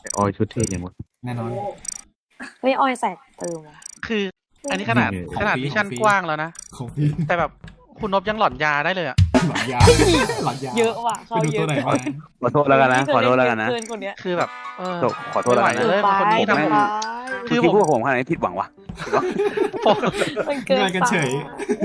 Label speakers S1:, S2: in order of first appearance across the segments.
S1: ออยชุดเท่ยังหมด
S2: แน่นอน
S3: เฮ้ยออยใส่เติมว่ะ
S4: คืออันนี้ขนาด
S2: ของ
S4: ขนาด
S2: ฟรี
S4: มิชชั่น
S2: ของฟรี
S4: กว้างแล้วนะ
S2: ของพี่
S4: แต่แบบคุณนบยังหลอนยาได้เลยอ่ะ
S2: หลอนยาหลอนยา
S3: เยอะว่ะเขา
S2: ไปดู
S3: เย
S2: ตัว
S3: อะ
S2: ไหนมา
S5: ขอโทษแล้วกันนะขอโทษแล้วกันนะ
S3: เกินคนเนี้ย
S4: คือแบบ
S5: ขอโทษแล้วกัน
S4: ไม่ไหว
S5: นะ
S4: เลยคนนี้ทำผม คือ
S5: ที่
S4: ผม
S5: พูดผมขนาดนี้ผิดหวังวะ
S4: ผม
S3: มันเกิน
S2: เงินกันเฉย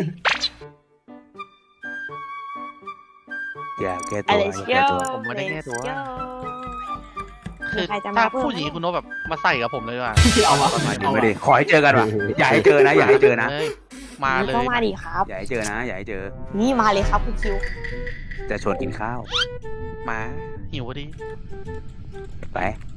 S5: อย่าแก้ตั
S3: อะ
S5: ว
S3: ไร
S5: อย่า
S3: เชี
S5: แก้
S3: ยว
S5: ตัว
S4: ผมไม่ได้แก้ตัว คือ
S3: ใครจะมา
S4: ถ้า
S3: เพิ่ม
S4: ผู้หญิงคุณนบแบบมาใส่กับผมเลยว่ะ
S2: เอาวะ
S5: มาดิ
S2: เอา
S5: ไม่
S2: วะ
S5: ดิขอให้เจอกันวะอย่าให้เจอนะอย่าให้เจอนะ
S4: เลยมาเลย
S3: ก็มาดิครับ
S5: อย่าให้เจอนะอย่าให้เจอ
S3: นี่มาเลยครับคุณคิว
S5: จะชวนกินข้าว
S4: มาหิวพอดี
S5: ไป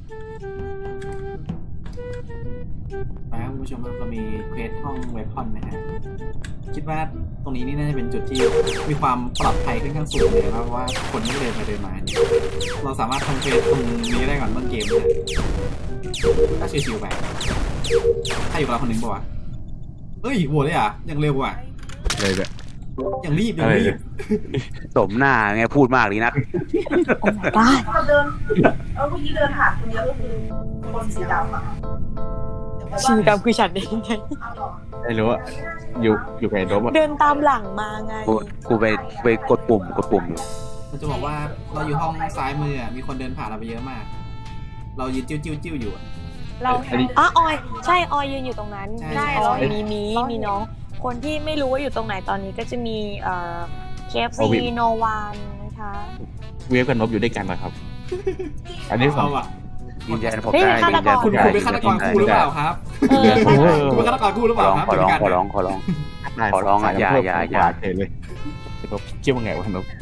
S2: ไปครับคุณผู้ชมครับเรามีเควสห้องเวพอนนะฮะคิดว่าตรงนี้นี่น่าจะเป็นจุดที่มีความปลอดภัยค่อนข้างสูงเลยครับเพราะว่าคนไม่เดินไปเดินมาเนี่ยเราสามารถทำเควสตรงนี้ได้ก่อนต้นเกมนะก็ชิวๆไปใครอยู่กับเราคนหนึ่งป่าวะเอ้ยโหวตเลยอ่ะยังเร็วอ่ะ
S1: เลยแบบ
S2: ยังรีบยังรีบ
S5: สมหน้าไงพูดมากดีนัก
S3: โอ้ my god
S6: เราเดินผู้หญิงเดินผ่านคนเดียวก็คือคนสีดำอ่ะ
S3: ชิวดำคือฉันเองไง
S1: ไม่รู้อะอยู่กับไอ้โดมอะ
S3: เดินตามหลังมาไง
S5: กูไปกดปุ่มอยู่
S2: เราจะบอกว่าเราอยู่ห้องซ้ายมืออะมีคนเดินผ่านเราไปเยอะมาก เรายืนจิ้วอยู่อะ
S3: เรา
S1: อันนี้
S3: อ๋อออยใช่ออยยืนอยู่ตรงนั้น
S2: ใช่
S3: ได้
S2: ใช่
S3: ออยมีน้อง คนที่ไม่รู้ว่าอยู่ตรงไหนตอนนี้ก็จะมีKFC โนวานนะคะ
S1: เวฟกับนบอยู่ด้วยกันนะครับ อันนี้ผม
S2: เอาอะ
S5: ยืนยันผม
S3: เฮ้ย
S5: ได้
S3: ฆา
S5: ยื
S3: ต
S5: น
S3: ก
S5: ยั
S3: ร
S5: น
S2: คุณ
S5: ได้
S2: เป็นฆาตกรคู่หรือเปล่าครับ
S3: เออใช่
S2: คุณเป็นฆาตกรคู่หรือเป
S5: ขอ
S2: ล่า
S5: ร้อง
S2: ครับ
S5: ขอร้อง
S2: ยู่ด้วยกัน
S5: ขอร้องขอร้อง ขอร้องอะอย่า
S1: เฉยเลยนบคิดว่าไงวะนบ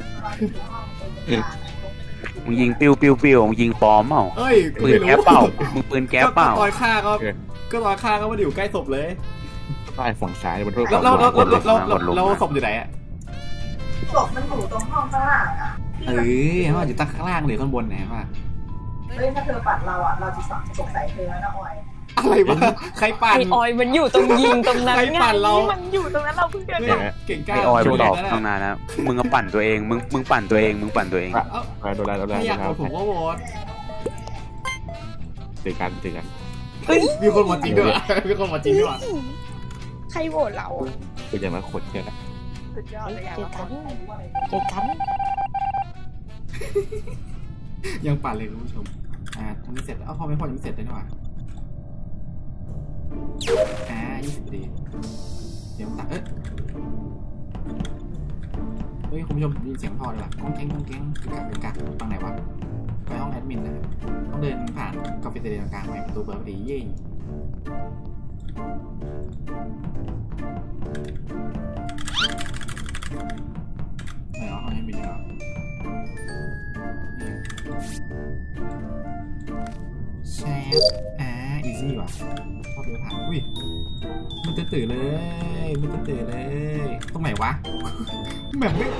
S5: มึงยิงปิ้วมึงยิงปลอมเปล่า
S2: เอ้ย
S5: ปืนแก๊ปเปล่ามึงปืนแก๊ปเปล่า
S2: ตอนฆ่าก็ตอนฆ่าก็ไม่ได้อยู่ใกล้ศพเลย
S1: ป้ายฝั่งซ้ายบนโทษ
S2: แล้วศพอยู่ไหนอะ
S6: ศพมันอยู่ตรงห้องข้างล่างอ่ะ
S2: เออมันอยู่ตั้งข้างล่างหรือข้างบนไหนวะ
S6: เฮ้ยถ้าเธอปัดเราอ่ะเราจะสงสัยเธอนะออย
S2: อะไรวะใครปั่น
S3: ไอออยมันอยู่ตรงยิงตรงนั้น
S2: ใคร
S3: ไง
S2: ปั่นเรา
S3: มันอยู่ตรงนั้นเราเพิ่งเดิน
S2: เนี่ยเก่งกล้า
S5: ไอออยไปตอบ
S2: นะ
S5: ตั้งนานแล้วมึงก็ปั่นตัวเองมึงปั่นตัวเองมึงปั่นตัวเอง
S2: เอ้า
S1: โดนแล้ว
S2: ไม่อยากโหวตผมก็โหวต
S1: เจอกัน
S2: มีคนมาจริงด้วยวะมีคนมาจริงด้วยวะ
S3: ใครโหวตเราอะ
S1: เป็นอย่างนั้นขดแค่นั้น
S6: สุดยอดเลยอยาก
S3: เจอกันเจอกัน
S2: ยังปั่นเลยคุณผู้ชมทำไม่เสร็จพอไม่พอยังไม่เสร็จเลยนี่หว่า20นาทีเดี๋ยวตัดเฮ้ยคุณผู้ชมได้ยินเสียงพ่อเลยว่ะก้องแก๊งกักฟังไหนวะไปห้องแอดมินนะต้องเดินผ่านกาแฟเตอร์กลางไปประตูเปิดพอดีเย่ไหนวะห้องแอดมินเหรอแชฟอีซี่ว่ะเข้าไปผ่านอุ้ยมันตื่นเลยตรงไหนวะแบบไม่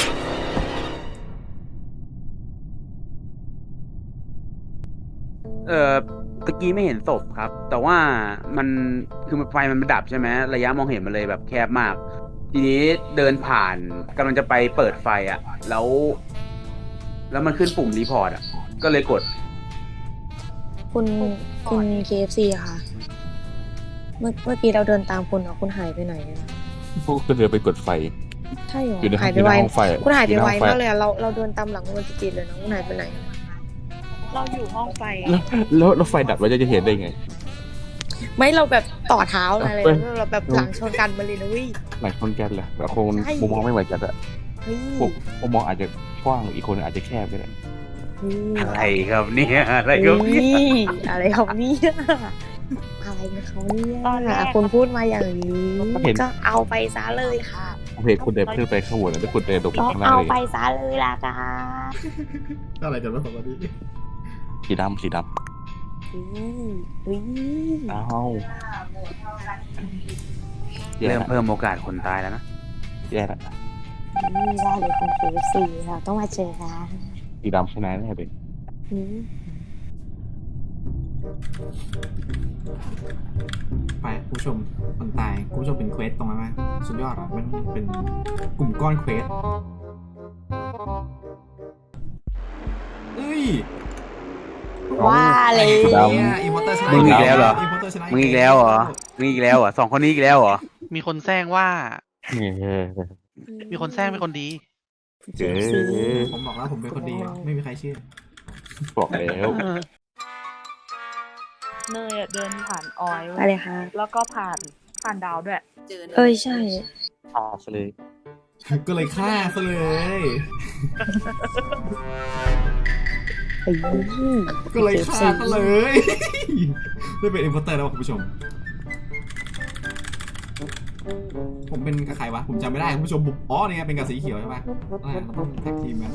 S5: ตะกี้ไม่เห็นศพครับ แต่ว่ามันคือไฟมันดับใช่ไหมระยะมองเห็นมันเลยแบบแคบมาก ทีนี้เดินผ่านกำลังจะไปเปิดไฟอ่ะแล้วมันขึ้นปุ่มรีพอร์ตอ่ะก็เลยกด
S3: คุณ KFC อะค่ะ เมื่อกี้เราเดินตามคุณเหรอคุณหายไปไหนอะ
S1: พวกก็เดินไปกดไฟ
S3: ใช่เหรอ
S1: อยู่ใน
S3: หายไปไว
S1: ห้องไฟ
S3: คุณหายไปไวมากเลยอะเราเดินตามหลังคุณจิตๆเลยนะคุณหายไปไหนอะ
S6: เราอยู่ห้องไฟ
S1: แล้วไฟดับเราจะเห็นได้ไง
S3: ไม่เราแบบต่อเท้าอะไร
S1: เอ้ย
S3: เราแบบหลังชนกันมาเลยนะเวิ
S1: หลายคนแกนแหละแต่คง
S3: ใช่
S1: มุมมองไม่เหมือนกันอะ
S3: เฮ้ย
S1: มุมมองอาจจะกว้างอีกคนอาจจะแคบก็ได้
S5: อะไรครับเนี่ยอะไรครับเนี่ย
S3: อะไรครับเนี่ยอะไรกันเขาเนี่ยคุณพูดมาอย่างนี้ก็เอาไปซะเลยค่ะ
S1: ผมเห็นคุณเดินขึ้นไปข้างบนแล้วคุณเดินลง
S3: ก็
S1: ข้างล่าง
S3: เอา
S1: เลย
S3: ไปซะเลยล่ะค่ะ
S2: อะไรกันวะสองคนนี้
S1: สีดำ
S3: เฮ้ย
S1: อ้าวแย่
S5: เริ่ม
S1: ละ
S5: เพิ่มโอกาสคนตายแล้วนะ
S1: แย่ละ
S3: ได้เลยคุณ KFC เราต้องมาเจอกัน
S1: สีดำชนะแน่เลย
S3: อืม
S2: ไปคุณผู้ชมคนตายคุณผู้ชมเป็นเควสตรงนั้นไหมสุดยอดอ่ะมันเป็นกลุ่มก้อนเควสเอ้ย
S3: ว่าเลย
S2: อิมพอร์เตอร์ชนะ
S5: มึงอีกแล้วเหรอ
S2: อิมพอร์เตอร์ชนะ
S5: มึงอีกแล้วเหรอมึงอีกแล้วเหรอสองคนนี้อีกแล้วเหรอ
S4: มีคนแซงว่า
S1: เออ
S4: มีคนแซงเป็นคนดี
S1: เออ
S2: ผมบอกแล้วผมเป็นคนดีไม่มีใครเชื่อ
S1: บอกแล้ว
S7: เนยอะเดินผ่านออยเว้ย
S3: อะไรคะ
S7: แล้วก็ผ่านดาวด้วย
S3: เอ้ยใช่
S1: พาซะเลย
S2: ก็เลยฆ่าซะเลย
S3: ไอ้ยี่
S2: ก็เลยฆ่าซะเลย ได้เป็นอิมพอร์เตอร์แล้วคุณผู้ชม ผมเป็นกับใครวะผมจำไม่ได้คุณผู้ชมบุกอ๋อนี่ไงเป็นกับสีเขียวใช่ปะเราต้องแท็กทีมกัน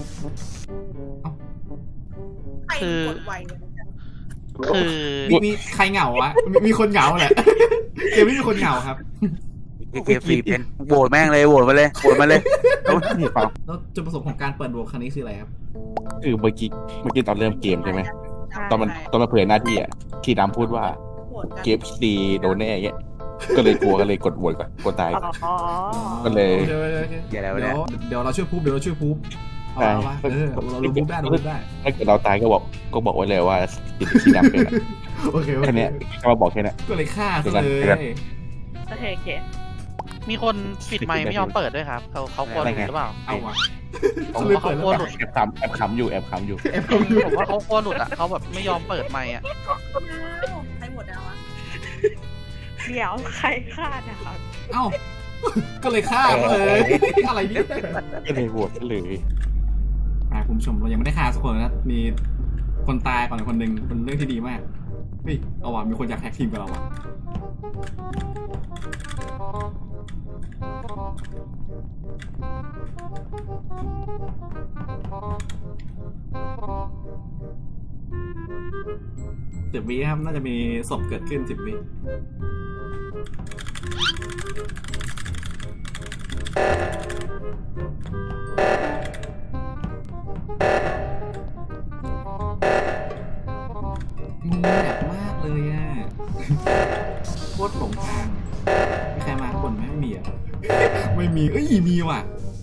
S4: คือ
S6: กดไวเลย
S4: คือ
S2: มีใครเหงาวะมีคนเหงาแหละเกมนี้มีคนเหงาครับ
S5: เกมฟรีเป็นโหวตแม่งเลยโหวตมาเลยโหวตมาเลย
S1: นี่ฟัง
S2: แล้วจุดประสงค์ของการเปิดโหวตครั้งนี้คืออะไรครับ
S1: คือเมื่อกี้ตอนเริ่มเกมใช่ไหมตอนมันเผยหน้าที่อ่ะที่ดำพูดว่า
S6: โหวตกัน
S1: เกมดีโดนแน่เงี้ยก็เลยกลัวก็เลยกดโหวตก่อนกดตาย
S7: อ๋อ
S1: ก็เลย
S5: อย่าแล้ว
S2: เดี๋
S5: เนี่ย
S2: วย เดี๋ยวเราช่วยพูบเราบูบได้เราบูบได้
S1: ถ้าเกิดเราตายก็บอกไว้เลยว่าที่ดำเป็นอะ
S2: โอเค
S1: แค่เนี้ยแค่มาบอกแค่เนี้ย
S2: ก็เลยฆ่าซะเลย
S7: โอเคโอเค
S4: มีคนปิดไมค์ไม่ยอมเปิดด้วยครับเขากลัวหลุดหรือเปล่า
S2: เอาวะ
S4: ผม
S2: เลย
S4: ว่า
S2: เปิ
S4: เขา
S2: ด
S4: กลัว
S2: แล้ว
S4: หลุด
S1: แอบขำอยู่
S4: ผมว่าเขากลัวหลุดอ่ะเขาแบบไม่ยอมเปิดไมค์อ่ะ
S6: ใครโหวตดาวอะ
S7: เดี๋ยวใครฆ่านะครับ
S2: เอ้าก็เลยฆ่าซะเลยอะไรเนี่ย
S1: ก็เลยโหวตเลย
S2: คุณผู้ชมเรายังไม่ได้ฆ่าสักคนนะมีคนตายก่อนคนหนึ่งเป็นเรื่องที่ดีมากเฮ้ยเอาว่ะมีคนอยากแท็กทีมกับเราว่ะ10 วิครับน่าจะมีศพเกิดขึ้น10 วิมึงแบบมากเลยอ่ะ โคตรหลงทางมีใครมาคนไหมไม่มีอ่ะ ไม่มี เอ้ยมีว่ะ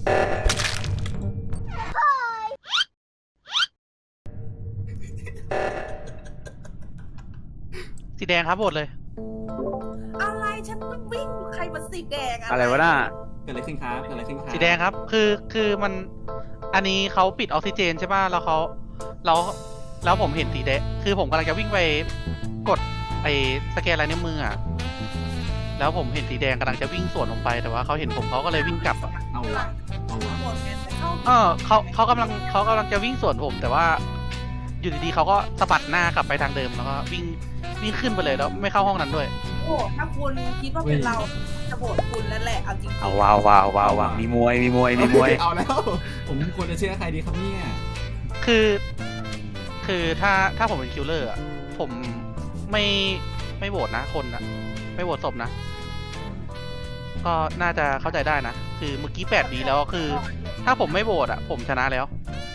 S4: สีแดงครับโหวตเลย
S6: อะไรฉันต้องวิ่งใครมาสีแดง
S5: อะไรวะน่ะ
S2: เกิดอะไรขึ้นครับเกิดอะไรขึ้นครับ
S4: สีแดงครับ คือมัน อันนี้เขาปิดออกซิเจนใช่ป่ะ แล้วผมเห็นสีแดง คือผมกำลังจะวิ่งไปกดไอ้สแกนลายนิ้วมืออ่ะ แล้วผมเห็นสีแดงกำลังจะวิ่งสวนผมไป แต่ว่าเขาเห็นผมเขาก็เลยวิ่งกลับอะ
S2: เอาว่ะเอาว่ะ
S6: โหวตกันเข้า
S4: เขากำลังจะวิ่งสวนผม แต่ว่า อยู่ดีๆเขาก็สะบัดหน้ากลับไปทางเดิมแล้วก็วิ่งขึ้นไปเลยแล้วไม่เข้าห้องนั้นด้วย
S6: โหวตถ้าคุณคิดว่าเป็นเราจะโหวตคุณแล้วแหละเอาจริงๆ
S5: เอาว้าวมีมวยมีมวย
S2: เอาแล้ว ผมควรจะเชื่อใครดีครับเนี่ย
S4: คือถ้าผมเป็นคิลเลอร์อ่ะผมไม่โหวตนะคนอ่ะ ไม่โหวตศพนะ ก็น่าจะเข้าใจได้นะ คือเมื่อกี้8 วิแล้วคือ ถ้าผมไม่โหวตอ่ะ ผมชนะแล้ว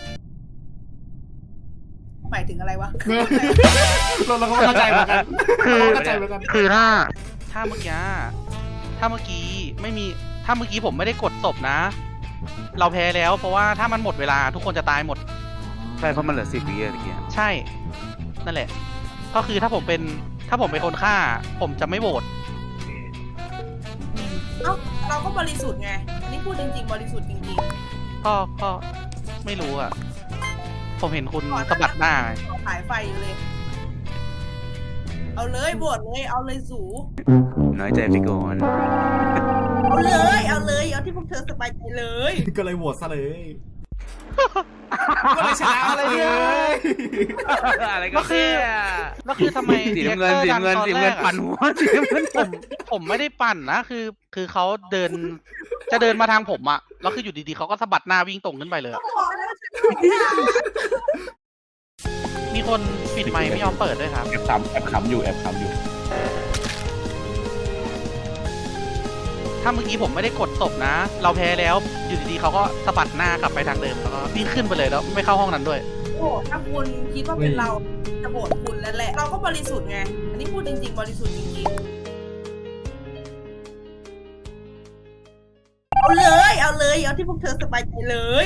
S6: หมายถึงอะไรวะ
S2: เราก็เข้าใจเหมือนกัน
S4: คือ
S2: เราเข้าใจเหมือนกัน
S4: คือถ้าเมื่อกี้ไม่มีถ้าเมื่อกี้ผมไม่ได้กดศพนะ เราแพ้แล้วเพราะว่าถ้ามันหมดเวลาทุกคนจะตายหมด
S5: ใช่เพราะมันเหลือ10 วิอะตะเกีย
S4: ใช่ นั่นแหละ ก็คือถ้าผมเป็นคนฆ่า ผมจะไม่โหวต
S6: เอ้าเราก็บริสุทธิ์ไง อันนี้พูดจริงๆบริสุทธิ์จริง
S4: ก็ไม่รู้อ่ะ ผมเห็นคุณสะบัดหน้าไง
S6: ๆขายไฟอยู่เลย เอาเลยโหวตเลยเอาเลยสู
S5: น้อยใจไปก่อน
S6: เอาเลยเอาที่พวกเธอสบายใจเลย
S2: ก็เลยโหวตซะเลย ก็เลยชนะเลย
S5: อะไรก็แค่
S4: แล้วคือทำไม
S5: สีน้ำเงิน
S4: รีแอคตอร์
S5: สีน้ำเงิน
S4: ดัตอแรกอะ
S5: ปั่นหัวสีน้ำเงิน
S4: ผมไม่ได้ปั่นนะ คือเขาจะเดินมาทางผมอะแล้วคืออยู่ดีๆเขาก็สะบัดหน้าวิ่งตรงขึ้นไปเลยอะ
S6: บอกแล้วฉันบอกแล้ว
S4: มีคนปิดไมค์ไม่ยอมเปิดด้วยครับ
S1: แอบขำอยู่
S4: ถ้าเมื่อกี้ผมไม่ได้กดศพนะ เราแพ้แล้ว อยู่ดีๆเขาก็สะบัดหน้ากลับไปทางเดิมแล้วก็วิ่งขึ้นไปเลยแล้วไม่เข้าห้องนั้นด้วย
S6: โหวตถ้าคุณคิดว่าเป็นเราจะโหวตคุณแล้วแหละ เราก็บริสุทธิ์ไง อันนี้พูดจริงๆบริสุทธิ์จริงๆเอาเลยเอาที่พวกเธอสบายใจเลย